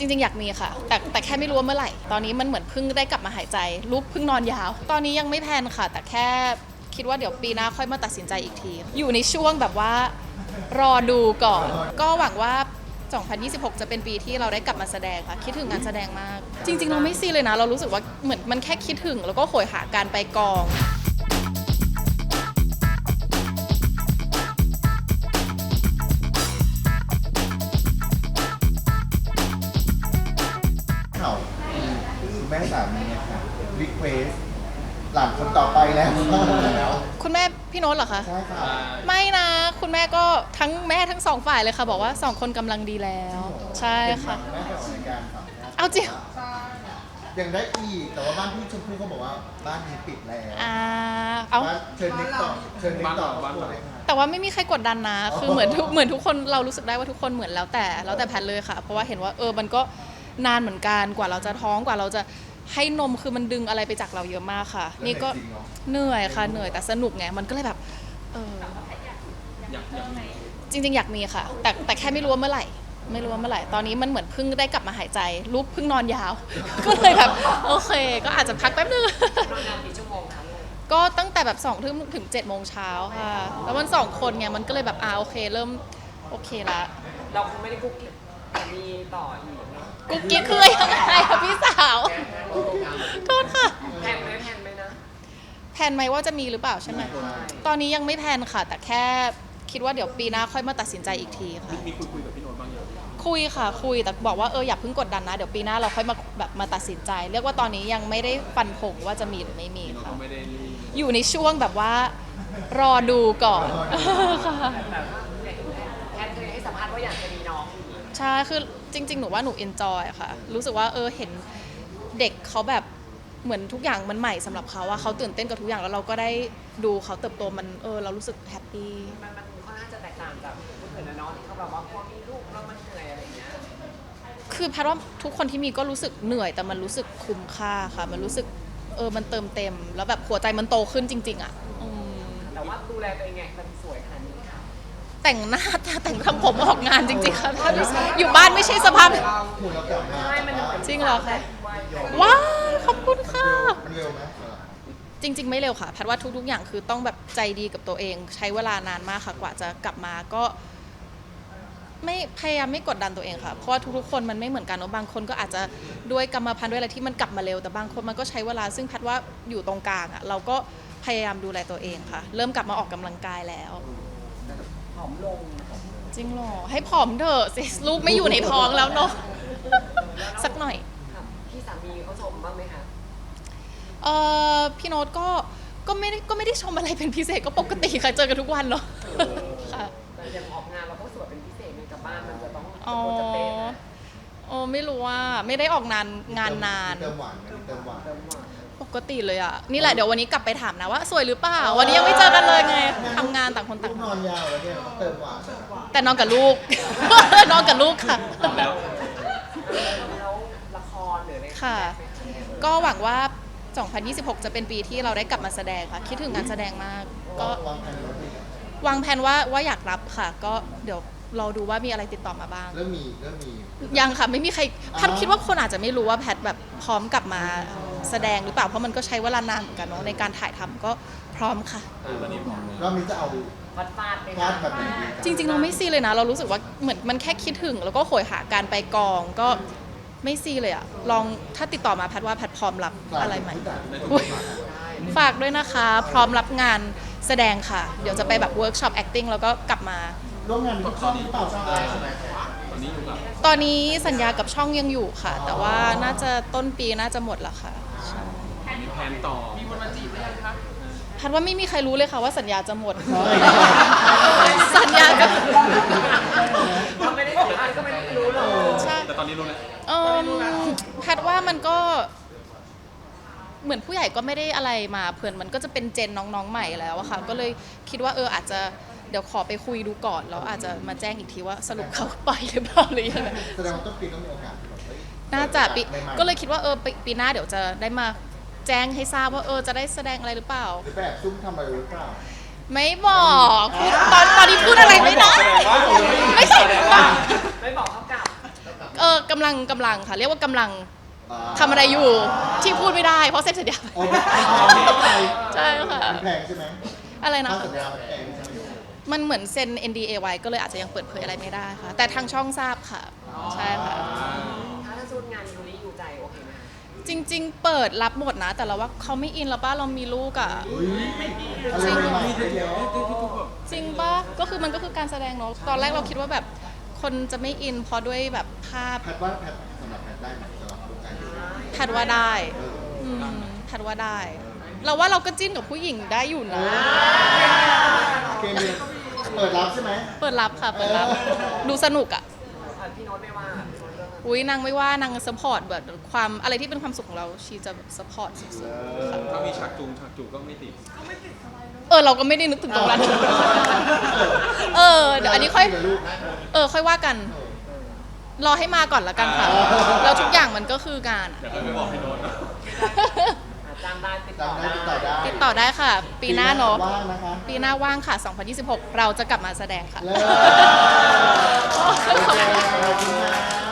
จริงๆอยากมีค่ะแต่แค่ไม่รู้ว่าเมื่อไหร่ตอนนี้มันเหมือนเพิ่งได้กลับมาหายใจลูกเพิ่งนอนยาวตอนนี้ยังไม่แพลนค่ะแต่แค่คิดว่าเดี๋ยวปีหน้าค่อยมาตัดสินใจอีกทีอยู่ในช่วงแบบว่ารอดูก่อนก็หวังว่า2026 จะเป็นปีที่เราได้กลับมาแสดงค่ะคิดถึงงานแสดงมากจริงๆเราไม่ซีเลยนะเรารู้สึกว่าเหมือนมันแค่คิดถึงแล้วก็โหยหาการไปกองคุณแม่สามีค่ะรีเควสหลานคนต่อไปแล้วคุณแม่พี่โน้ตเหรอคะใช่ค่ะไม่นะคุณแม่ก็ทั้งแม่ทั้งสองฝ่ายเลยค่ะบอกว่า2 คนกำลังดีแล้วใช่ค่ะแม่ไปออกรายการค่ะเอาจริงยังได้อีกแต่ว่าบ้านพี่ชมพู่เขาบอกว่าบ้านนี้ปิดแล้วเอาบ้านเชิญนิกต่อเชิญนิกต่อบ้านเลยค่ะแต่ว่าไม่มีใครกดดันนะคือเหมือนทุกคนเรารู้สึกได้ว่าทุกคนเหมือนแล้วแต่แพทเลยค่ะเพราะว่าเห็นว่ามันก็นานเหมือนกันกว่าเราจะท้องกว่าเราจะให้นมคือมันดึงอะไรไปจากเราเยอะมากค่ะนี่ก็เหนื่อยค่ะเหนื่อยแต่สนุกไงมันก็เลยแบบจริงๆอยากมีค่ะแต่แค่ไม่รู้ว่าเมื่อไหร่ตอนนี้มันเหมือนเพิ่งได้กลับมาหายใจลูกเพิ่งนอนยาว ก็เลยแบบโอเคก็อาจจะพักแป๊บนึงนอนนานกี่ชั่วโมงคะก็ตั้งแต่แบบ2 ทุ่มถึง7 โมงเช้าค่ะแล้วมัน2 คนไงมันก็เลยแบบโอเคเริ่มโอเคละเราคงไม่ได้กุ๊กกิ๊กแต่มีต่ออีกเนาะกุ๊กกิ๊กคือยังไงคะพี่สาวโทษค่ะแพนไหมนะแพลนไหมว่าจะมีหรือเปล่าใช่ไหมตอนนี้ยังไม่แพลนค่ะ แต่แค่คิดว่าเดี๋ยวปีหน้าค่อยมาตัดสินใจอีกทีค่ะมีคุยกับพี่โน้ตบ้างยังคุยค่ะคุยแต่บอกว่าอย่าเพิ่งกดดันนะเดี๋ยวปีหน้าเราค่อยมาตัดสินใจ เรียกว่าตอนนี้ยังไม่ได้ฟันธงว่าจะมีหรือไม่มีพี่โน้ตค่ะก็ไม่ได้รีบอยู่ในช่วงแบบว่ารอดูก่อนค่ะแบบว่าแพนเคยให้สัมภาษณ์ว่าอยากจะมีน้องอีกใช่คือจริงๆหนูว่าหนูเอนจอยค่ะรู้สึกว่าเห็นเด็กเขาแบบเหมือนทุกอย่างมันใหม่สำหรับเขาว่าเขาตื่นเต้นกับทุกอย่างแล้วเราก็ได้ดูเขาเติบโตมันเรารู้สึกแฮปปี้มันค่อนข้างจะแตกต่างจากคนอื่นนะเนาะที่เขาแบบว่าพอมีลูกแล้วมันเหนื่อยอะไรอย่างเงี้ยคือแพทย์ว่าทุกคนที่มีก็รู้สึกเหนื่อยแต่มันรู้สึกคุ้มค่าค่ะมันรู้สึกมันเติมเต็มแล้วแบบหัวใจมันโตขึ้นจริงๆอ่ะแต่ว่าดูแลตัวเองไงมันสวยขนาดนี้ค่ะแต่งหน้าแต่งทำผมออกงานจริงๆค่ะถ้าอยู่บ้านไม่ใช่สภาพหุ่นเรากลับมาใช่มันเหมือนจริงเหรอคะว้าวขอบคุณค่ะมันเร็วไหมจริงๆไม่เร็วค่ะแพทย์ว่าทุกๆอย่างคือต้องแบบใจดีกับตัวเองใช้เวลานานมากค่ะกว่าจะกลับมาก็ไม่พยายามไม่กดดันตัวเองค่ะเพราะว่าทุกๆคนมันไม่เหมือนกันเนอะบางคนก็อาจจะด้วยกรรมพันธุ์ด้วยอะไรที่มันกลับมาเร็วแต่บางคนมันก็ใช้เวลาซึ่งแพทย์ว่าอยู่ตรงกลางอ่ะเราก็พยายามดูแลตัวเองค่ะเริ่มกลับมาออกกำลังกายแล้วผอมลงจริงเหรอให้ผอมเถอะสิลูกไม่อยู่ในท้องแล้วเนาะ สักหน่อยค่ะพี่สามีเขาชมบ้างไหมคะพี่โน้ตก็ไม่ได้ชมอะไรเป็นพิเศษก็ปกติค่ะเจอกันทุกวันเนาะค่ะแต่อย่างออกงานเราก็สวยเป็นพิเศษในกับบ้านมันจะต้องอ๋อจะเป๊ะนะไม่รู้ว่าไม่ได้ออกงานนานเติมหวานไหมเติมหวานเติมหวานปกติเลยอ่ะนี่แหละเดี๋ยววันนี้กลับไปถามนะว่าสวยหรือเปล่าวันนี้ยังไม่เจอกันเลยไงทำงานต่างคนต่างลูกนอนยาวแล้วเนี่ยเติมหวานแต่นอนกับลูก นอนกับลูกค่ะแล้วแล้วละครหรืออะไรค่ะ ก็หวังว่า 2026 จะเป็นปีที่เราได้กลับมาแสดงค่ะคิดถึงงานแสดงมากก็วางแผนแล้วดีวางแผนว่าอยากรับค่ะ ก็เดี๋ยวรอดูว่ามีอะไรติดต่อมาบ้างเริ่มมียังค่ะไม่มีใครพัดคิดว่าคนอาจจะไม่รู้ว่าแพทแบบพร้อมกลับมาแสดงหรือเปล่าเพราะมันก็ใช้เวลานานเหมือนกันเนาะในการถ่ายทำก็พร้อมค่ะตอนนี้ผมรอบนี้จะเอาฟาดไปฟาดแบบไหนดีจริงๆเราไม่ซีเลยนะเรารู้สึกว่าเหมือนมันแค่คิดถึงแล้วก็โหยหาการไปกองก็ไม่ซีเลยอะลองถ้าติดต่อมาแพทว่าแพทพร้อมรับอะไรใหม่อุ๊ยฝากด้วยนะคะพร้อมรับงานแสดงค่ะ เดี๋ยวจะไปแบบเวิร์กช็อป acting แล้วก็กลับมาร่วมงานกับช่องหรือเปล่าใช่ไหมตอนนี้อยู่กับตอนนี้สัญญากับช่องยังอยู่ค่ะ แต่ว่าน่าจะต้นปีน่าจะหมดแล้วค่ะใช่มีแผนต่อมีคนมาจีบหรือยังคะพัดว่าไม่มีใครรู้เลยค่ะว่าสัญญาจะหมด สัญญาจะถ้าไม่ได้สัมภาษณ์ก็ไม่ได้รู้หรอกใช่แต่ตอนนี้รู้แล้วพัดว่ามันก็เหมือนผู้ใหญ่ก็ไม่ได้อะไรมาเพื่อนมันก็จะเป็นเจนน้องๆใหม่แล้วอะค่ะก็เลยคิดว่าอาจจะเดี๋ยวขอไปคุยดูก่อนแล้วอาจจะมาแจ้งอีกทีว่าสรุปเขาไปหรือเปล่าหรือยังไงแสดงว่าต้นปีต้องมีโอกาสน่าจะก็เลยคิดว่าปีหน้าเดี๋ยวจะได้มาแจ้งให้ทราบว่าจะได้แสดงอะไรหรือเปล่าหรือแบบซุ่มทำอะไรหรือเปล่าไม่บอกพูดตอนนี้พูดอะไรไม่ได้ไม่ใช่ไม่บอกเขากลับกำลังค่ะ เรียกว่ากำลังทำอะไรอยู่ที่พูดไม่ได้เพราะเซ็นสัญญาไปโอ้ไม่ต้องไปใช่ค่ะมันแพงใช่ไหมอะไรนะค่าคะสัญญามันแพงใช่ไหมมันเหมือนเซ็น NDA ไว้ก็เลยอาจจะยังเปิดเผยอะไรไม่ได้ค่ะ แต่ทางช่องทราบค่ะ ใช่ค่ะถ้าชุดงานยูริอยู่ใจโอเคไหมคะจริง ๆ เปิดรับหมดนะ แต่เราว่าเขาไม่อินแล้วป้าเรามีลูกอ่ะอะไรใหม่ๆเยอะจริงป่ะก็คือมันก็คือการแสดงเนาะตอนแรกเราคิดว่าแบบคนจะไม่อินเพราะด้วยแบบภาพแพทว่าแพทสำหรับแพทได้ไหมสำหรับวงการยูริแพทว่าได้แพทว่าได้ เราว่าเราก็จิ้นกับผู้หญิงได้อยู่นะเกมเนี่ยเปิดรับใช่ไหมเปิดรับค่ะ เปิดรับ ดูสนุกอ่ะพี่โน้ตไม่ว่าพี่โน้ตเรื่องอุ้ยนางไม่ว่านางสปอร์ตแบบความอะไรที่เป็นความสุขของเราชีจะแบบสปอร์ตสุดถ้ามีฉากจูก็ไม่ติดๆเราก็ไม่ได้นึกถึงตรงนั้นเดี๋ยวอันนี้ค่อยค่อยว่ากัน รอให้มาก่อนละกันค่ะ แล้วทุกอย่างมันก็คืองานอะเดี๋ยวค่อยไปบอกพี่โน้ตนะจ้างได้ติดต่อจำได้ได้ติดต่อได้ติดต่อได้ค่ะ ปีหน้าเนาะว่างนะคะปีหน้าว่างค่ะ 2026 เราจะกลับมาแสดงค่ะเลิศขอบคุณค่ะ